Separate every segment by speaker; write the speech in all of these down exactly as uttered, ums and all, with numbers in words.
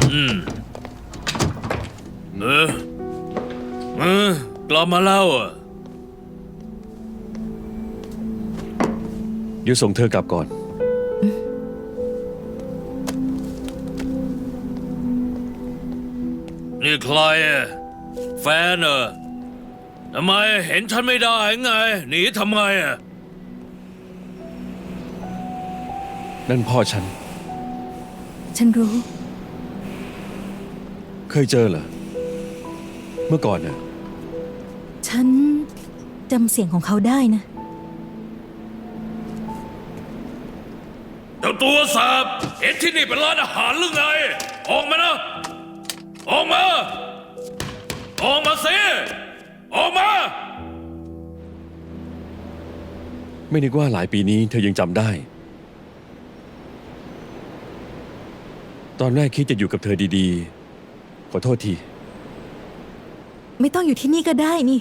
Speaker 1: อืมเออเออกลับมาแล้วอ่ะ
Speaker 2: เดี๋ยวส่งเธอกลับก่อน
Speaker 1: นี่ใครอ่ะแฟนเหรอทำไมเห็นฉันไม่ได้ไงหนีทำไมอ่ะ
Speaker 2: นั่นพ่อฉัน
Speaker 3: ฉันรู้
Speaker 2: เคยเจอเหรอ เมื่อก่อนน่ะ
Speaker 3: ฉันจำเสียงของเขาได้นะ
Speaker 1: เจ้าตัวแสบเห็นที่นี่เป็นร้านอาหารหรือไง ออกมานะ ออกมา ออกมาสิออกมา
Speaker 2: ไม่นึกว่าหลายปีนี้เธอยังจำได้ ตอนแรกคิดจะอยู่กับเธอดีๆ ขอโทษที
Speaker 3: ไม่ต้องอยู่ที่นี่ก็ได้นี่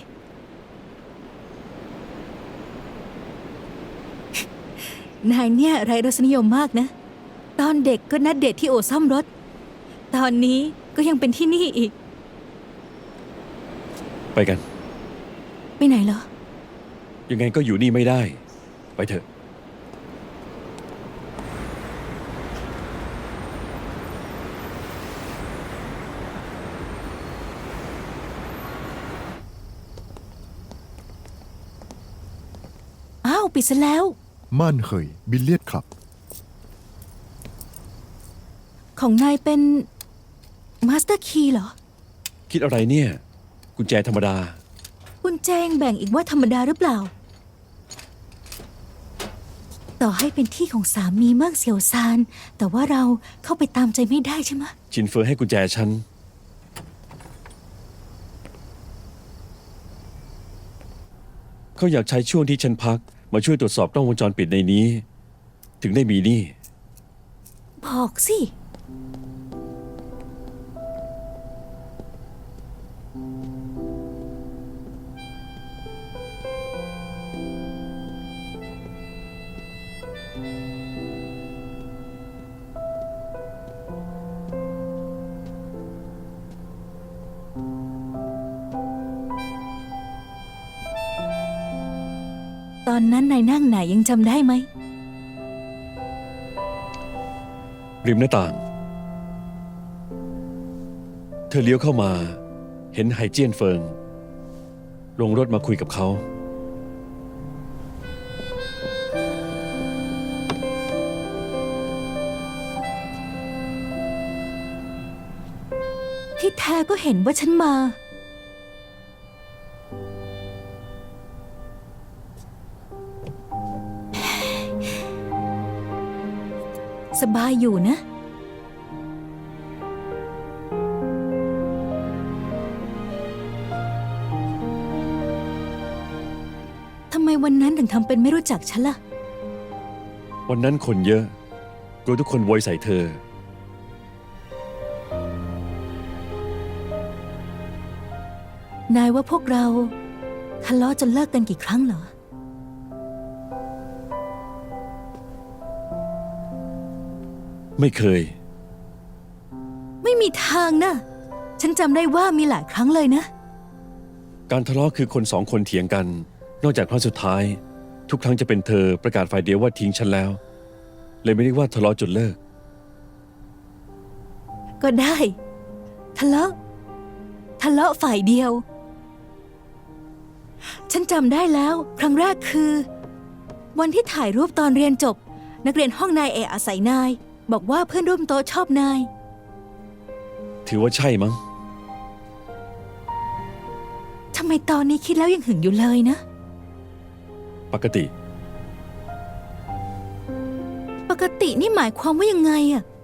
Speaker 3: นายเนี่ยไร้รสนิยมมากนะ ตอนเด็กก็นัดเดทที่โอซ่อมรถ ตอนนี้ก็ยังเป็นที่นี่อีก
Speaker 2: ไปกัน
Speaker 3: ไปไหนเหรอ
Speaker 2: ยังไงก็อยู่นี่ไม่ได้ ไปเถอะ
Speaker 3: อ้าว ปิดซะแล้ว
Speaker 4: ม่านเหยบิลเลียดคลับ
Speaker 3: ของนายเป็นมาสเตอร์คีย์เหรอ
Speaker 2: คิดอะไรเนี่ย กุญแจธรรมดา
Speaker 3: คุณแจงแบ่งอีกว่าธรรมดาหรือเปล่า ต่อให้เป็นที่ของสามีเมืองเสี่ยวซาน แต่ว่าเราเข้าไปตามใจไม่ได้ใช่ไหมะ
Speaker 2: ชินเฟอร์ให้กุญแจฉัน เขาอยากใช้ช่วงที่ฉันพัก มาช่วยตรวจสอบกล้องวงจรปิดในนี้ ถึงได้มีนี่
Speaker 3: บอกสิ ตอนนั้นนายนั่งไหนยังจำได้ไหม
Speaker 2: ริมหน้าต่าง เธอเลี้ยวเข้ามา เห็นไห่เจี้ยนเฟิง ลงรถมาคุยกับเขา
Speaker 3: ที่แท้ก็เห็นว่าฉันมา สบายอยู่นะ ทำไมวันนั้นถึงทำเป็นไม่รู้จักฉันล่ะ
Speaker 2: วันนั้นคนเยอะ กลัวทุกคนโวยใส่เธอ
Speaker 3: นายว่าพวกเราทะเลาะจนเลิกกันกี่ครั้งเหรอ
Speaker 2: ไม่เคย
Speaker 3: ไม่มีทางนะ ฉันจำได้ว่ามีหลายครั้งเลยนะ
Speaker 2: การทะเลาะคือคนสองคนเถียงกัน นอกจากครั้งสุดท้าย ทุกครั้งจะเป็นเธอประกาศฝ่ายเดียวว่าทิ้งฉันแล้ว เลยไม่ได้ว่าทะเลาะจนเลิก
Speaker 3: ก็ได้ ทะเลาะ ทะเลาะฝ่ายเดียว ฉันจำได้แล้ว ครั้งแรกคือ วันที่ถ่ายรูปตอนเรียนจบ นักเรียนห้องนายเอะอาศัยนาย บอกว่าเพื่อนร่วมโต๊ะชอบนาย
Speaker 2: ถือว่าใช่มั้ง
Speaker 3: ทำไมตอนนี้คิดแล้วยังหึงอยู่เลยนะ
Speaker 2: ปกติ
Speaker 3: ปกตินี่หมายความว่ายังไงอะ